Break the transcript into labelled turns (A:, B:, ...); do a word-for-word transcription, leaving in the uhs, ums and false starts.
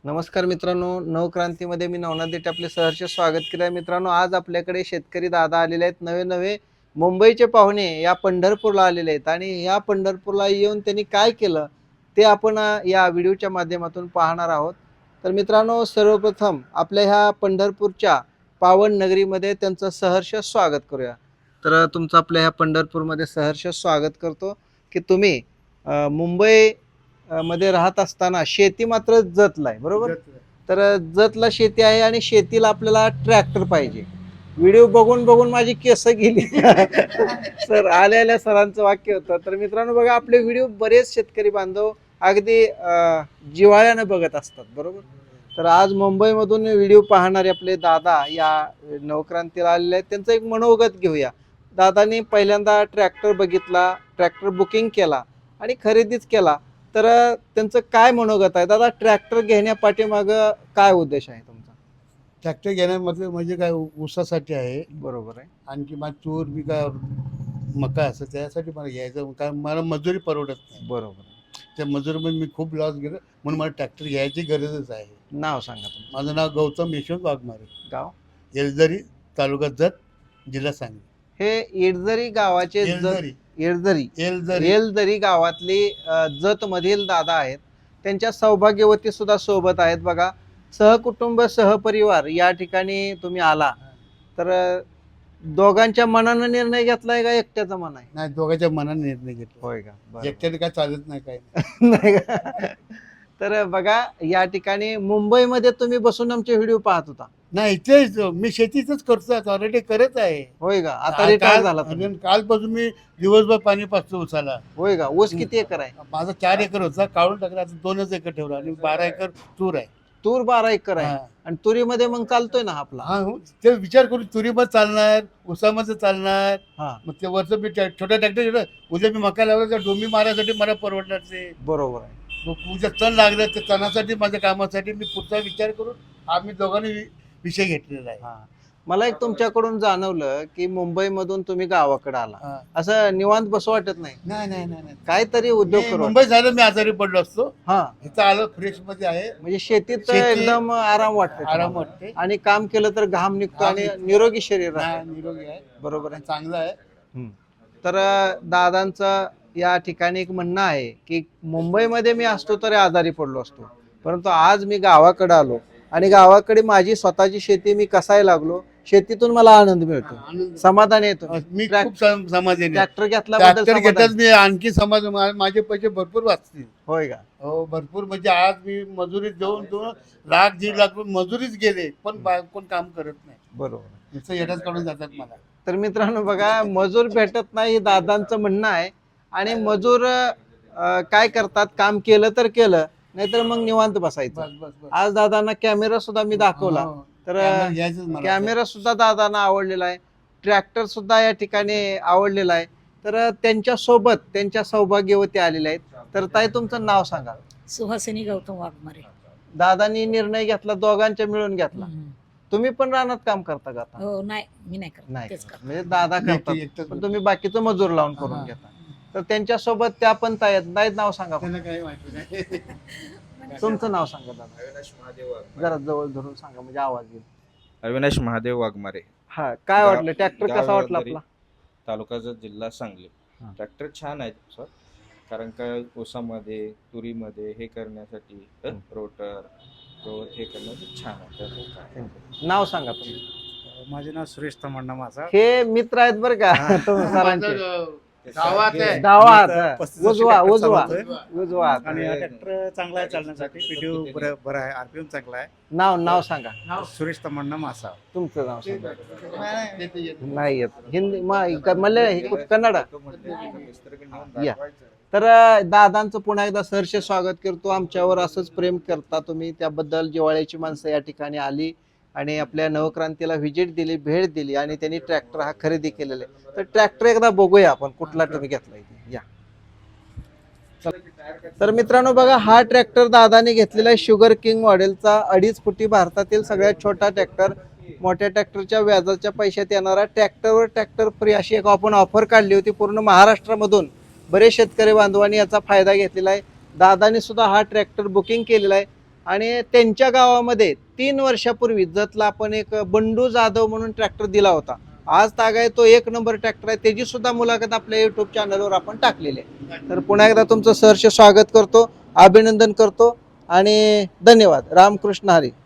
A: नमस्कार मित्रांनो, नवक्रांतीमध्ये मी नवनाथ देठे आपले सहर्ष स्वागत केलं आहे. मित्रांनो, आज आपल्याकडे शेतकरी दादा आलेले आहेत. नवे नवे मुंबईचे पाहुणे या पंढरपूरला आलेले आहेत आणि या पंढरपूरला येऊन त्यांनी काय केलं ते आपण अ, या व्हिडिओच्या माध्यमातून पाहणार आहोत. तर मित्रांनो, सर्वप्रथम आपल्या ह्या पंढरपूरच्या पावन नगरीमध्ये त्यांचं सहर्ष स्वागत करूया. तर तुमचं आपल्या ह्या पंढरपूरमध्ये सहर्ष स्वागत करतो की तुम्ही अ, मुंबई अ, मध्ये राहत असताना शेती मात्र जतला आहे, बरोबर? तर जतला शेती आहे आणि शेतीला आपल्याला ट्रॅक्टर पाहिजे. व्हिडिओ बघून बघून माझी केस गेली. सर आल्या आल्या सरांचं वाक्य होतं. तर मित्रांनो बघा, आपले व्हिडिओ बरेच शेतकरी बांधव अगदी अ, जिव्हाळ्यानं बघत असतात, बरोबर? तर आज मुंबईमधून व्हिडिओ पाहणारे आपले दादा या नवक्रांतीला आलेले आहेत. त्यांचं एक मनोगत घेऊया. दादानी पहिल्यांदा ट्रॅक्टर बघितला, ट्रॅक्टर बुकिंग केला आणि खरेदीच केला. तर त्यांचं काय मनोगत आहे दादा? ट्रॅक्टर घेण्यापाठीमाग काय उद्देश आहे तुमचा?
B: ट्रॅक्टर घेण्यामध्ये म्हणजे काय ऊ- ऊसासाठी आहे.
A: बरोबर आहे.
B: आणखी माझ तूर बी काय मका असं त्यासाठी मला घ्यायचं, कारण मला मजुरी परवडत नाही.
A: बरोबर आहे.
B: त्या मजुरीमध्ये मी खूप लॉस गेलो, म्हणून मला ट्रॅक्टर घ्यायची गरजच आहे.
A: नाव सांगा तुमचं.
B: माझं नाव गौतम यशवंत वाघमारे,
A: गाव?
B: येलदरी, तालुका जत, जिल्हा सांगली.
A: हे येडजरी गावाचे जत
B: येलदरी
A: येडजरी
B: येलदरी
A: येलदरी गावातली जत मधील दादा आहेत. त्यांच्या सौभाग्यवती सुद्धा सोबत आहेत. बघा, सहकुटुंब सहपरिवार या ठिकाणी तुम्ही आला. तर अ, दोघांच्या मनानं निर्णय घेतलाय का एकट्याचा मन आहे?
B: नाही, दोघांच्या मनाने निर्णय घेतला.
A: होय का? बरं.
B: एकट्याने काय चालत नाही, काय नाही.
A: नाही का? तर बघा, या ठिकाणी मुंबईमध्ये तुम्ही बसून आमचे व्हिडिओ पाहत होता,
B: नाही, इथेच मी शेतीच करतो, ऑलरेडी करत आहे.
A: होय का? आता
B: काल-
A: रिटायर
B: काल-
A: झाला तुम्ही?
B: आणि कालपासून मी दिवसभर पाणी पाचतो उसाला.
A: होय का? ऊस किती एकर आहे?
B: माझा चार एकर होता, काढून टाकला, आता दोनच एकर ठेवला आणि बारा एकर तूर आहे.
A: तूर बारा एकर आहे.
B: हा.
A: आणि तुरीमध्ये मग चालतोय ना आपला?
B: हा, हो. ते विचार करून तुरीमध्ये चालणार, उसामध्ये चालणार.
A: हा,
B: मग ते वरचं मी ट्रॅ- छोटा ट्रॅक्टर, उद्या मी मका लावला तर डोंबी मारायसाठी मला परवडणार ते.
A: बरोबर आहे.
B: मग उद्या तण लागलं तर तणासाठी, माझ्या कामासाठी मी पुढचा विचार करून आम्ही दोघांनी वि- विषय घेतलेला आहे.
A: हा, मला एक तुमच्याकडून जाणवलं की मुंबईमधून तुम्ही गावाकडे आला,
B: हा.
A: असं निवांत बसू वाटत नाही?
B: नाही नाही नाही नाही.
A: काहीतरी उद्योग
B: मी
A: करू.
B: मुंबई झालं, मी आजारी पडलो असतो.
A: हा,
B: इथं आलो, फ्रेश मध्ये आहे,
A: म्हणजे शेतीत
B: शेती-
A: एकदम आराम वाटतो
B: आराम
A: तुम्हाला.
B: वाटते.
A: आणि काम केलं तर घाम निघतो
B: घाम
A: आणि
B: निघतो.
A: निरोगी शरीर
B: हा,
A: राहतं.
B: निरोगी आहे,
A: बरोबर आहे.
B: चांगलं आहे.
A: हम्म. तर अ, दादांचं या ठिकाणी एक म्हणणं आहे की मुंबईमध्ये मी असतो तरी आजारी पडलो असतो, परंतु आज मी गावाकडे आलो आणि गावाकडे माझी स्वतःची शेती मी कसाय लागलो, शेतीतून मला आनंद मिळतो,
B: आनंद-
A: समाधान येतो.
B: मी
A: ट्रॅक-
B: खूप सम- समाधानी आहे.
A: ट्रॅक्टर घेतल्याबद्दल
B: ट्रॅक्टर घेतात
A: समाधान.
B: मी आणखी समाज, मा- माझे पैसे भरपूर वाचतील.
A: होय का?
B: हो, भरपूर. म्हणजे आज मी मजुरी देऊन देऊन लाख दीड लाख रुपये मजुरीच गेले, पण बा- कोण काम करत नाही,
A: बरोबर.
B: नुसतं येण्याच काढून जातात मला.
A: तर मित्रांनो बघा, मजूर भेटत नाही हे दादांचं म्हणणं आहे. आणि मजूर अ, काय करतात, काम केलं तर केलं, नाहीतर मग निवांत बसायचं.
B: बस बस बस.
A: आज दादांना कॅमेरा सुद्धा मी दाखवला.
B: हो,
A: तर
B: कॅमेरा घ्यायचंच मला.
A: कॅमेरा सुद्धा दादांना आवडलेला आहे, ट्रॅक्टर सुद्धा या ठिकाणी आवडलेला आहे. तर त्यांच्या सोबत त्यांच्या सौभाग्यवती आलेल्या आहेत. तर ताई, तुमचं नाव सांगा.
C: सुहासिनी गौतम वाघमारे.
A: दादांनी निर्णय घेतला, दोघांच्या मिळून घेतला.
C: हम्म.
A: तुम्ही पण रानात काम करता का आता?
C: हो, नाही, मी नाही करत,
A: नाही
C: तेच
A: करत.
C: करत.
A: म्हणजे दादा
B: मी एकटी-
A: करतात,
B: एकटाच
A: पण तुम्ही बाकीचं मजूर लावून करून
B: हा.
A: घेता. तर त्यांच्या सोबत त्या पण ताई आहेत. नाही, नाव सांगा.
B: त्यांना काही माहिती नाही.
A: तुमचं नाव सांगा दादा,
D: अविनाश महादेव वाघमारे.
A: जरा जवळ धरून सांगा म्हणजे आवाज येईल.
D: अविनाश महादेव वाघमारे,
A: हा, काय
D: गाव-
A: वाटलं ट्रॅक्टर
D: गाव
A: कसा वाटला
D: येलदरी,
A: आपला?
D: तालुक्याचा जिल्हा सांगली.
A: हा.
D: ट्रॅक्टर छान आहे सर, कारण का ऊसामध्ये तुरीमध्ये हे करण्यासाठी रोटर गवत हे करण्यासाठी छान आहे. त्यामुळे काय.
A: नाव सांगा तुम्ही.
E: माझे नाव सुरेश तमण्णा माझा.
A: हे मित्र आहेत बरं का तुम्ही सरांचे.
B: माझं गावात आहे.
A: गावात
E: मी आता
A: हा.
E: पस्तीस वर्षी
A: उजवा
E: ट्रॅक्टर
A: उजवा
E: चालवतोय.
A: उजवा हात.
E: आणि हा ट्रॅक्टर चांगला आहे चालण्यासाठी, पीटीओ बरं बरं आहे, आरपीएम चांगला आहे.
A: नाव नाव सांगा.
E: सुरेश तमण्णा मासा.
A: तुमचं नाव सांगा.
B: नाही, येते- येते.
A: नाही येत हिंदी मले कन्नड.
D: मिस्त्रीकडे नेऊन
A: या.
D: दाखवायचं.
A: तर अ, दादांचं पुन्हा एकदा सहर्ष स्वागत करतो. आमच्यावर असंच प्रेम करता तुम्ही, त्याबद्दल जिव्हाळ्याची माणसं या ठिकाणी आली आणि आपल्या नवक्रांतीला व्हिजिट दिली, भेट दिली आणि त्यांनी ट्रॅक्टर हा खरेदी केलेला आहे. तर ट्रॅक्टर एकदा बघूया आपण कुठला तुम्ही घेतलाय ते. या. तर मित्रांनो बघा, हा ट्रॅक्टर दादाने घेतलेला आहे शुगर किंग मॉडेलचा, अडीच फुटी, भारतातील सगळ्यात छोटा ट्रॅक्टर. मोठ्या ट्रॅक्टरच्या व्याजाच्या पैशात येणारा ट्रॅक्टरवर ट्रॅक्टर फ्री अशी एक आपण ऑफर काढली होती. पूर्ण महाराष्ट्रामधून बरेच शेतकरी बांधवांनी याचा फायदा घेतलेला आहे. दादानी सुद्धा हा ट्रॅक्टर बुकिंग केलेला आहे. आणि त्यांच्या गावामध्ये तीन वर्षापूर्वी जतला आपण एक बंडू जाधव म्हणून ट्रॅक्टर दिला होता. आज तागाय तो एक नंबर ट्रॅक्टर आहे. त्याची सुद्धा मुलाखत आपल्या युट्यूब चॅनलवर आपण टाकलेली आहे. तर पुन्हा एकदा तुमचं सहर्ष स्वागत करतो, अभिनंदन करतो आणि धन्यवाद. रामकृष्ण हरी.